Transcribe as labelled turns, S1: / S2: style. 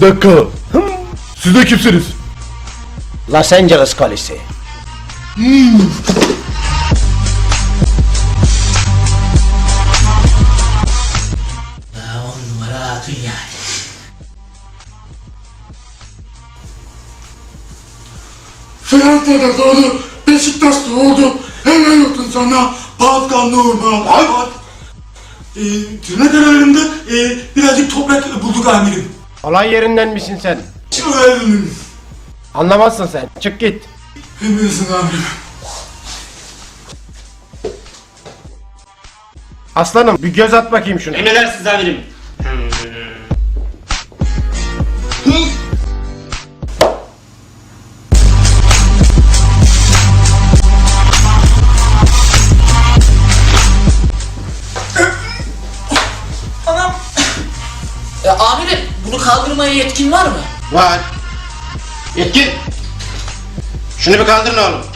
S1: Bir dakika. Siz de kimsiniz?
S2: Los Angeles Kolisi.
S3: On numara hatun yani.
S4: Fransa'da doğdu, Beşiktaş'ta oldu. Helal olsun sana Pascal Nurman. Tırnak aralarında birazcık toprak bulduk amirim.
S2: Olay yerinden misin sen? Anlamazsın sen. Çık git.
S4: Emresin amirim.
S2: Aslanım bir göz at bakayım şuna.
S3: Emredersiniz amirim. Anam. Amirim bunu kaldırmaya yetkin var mı?
S2: Var. Yetkin. Şunu bir kaldırın oğlum.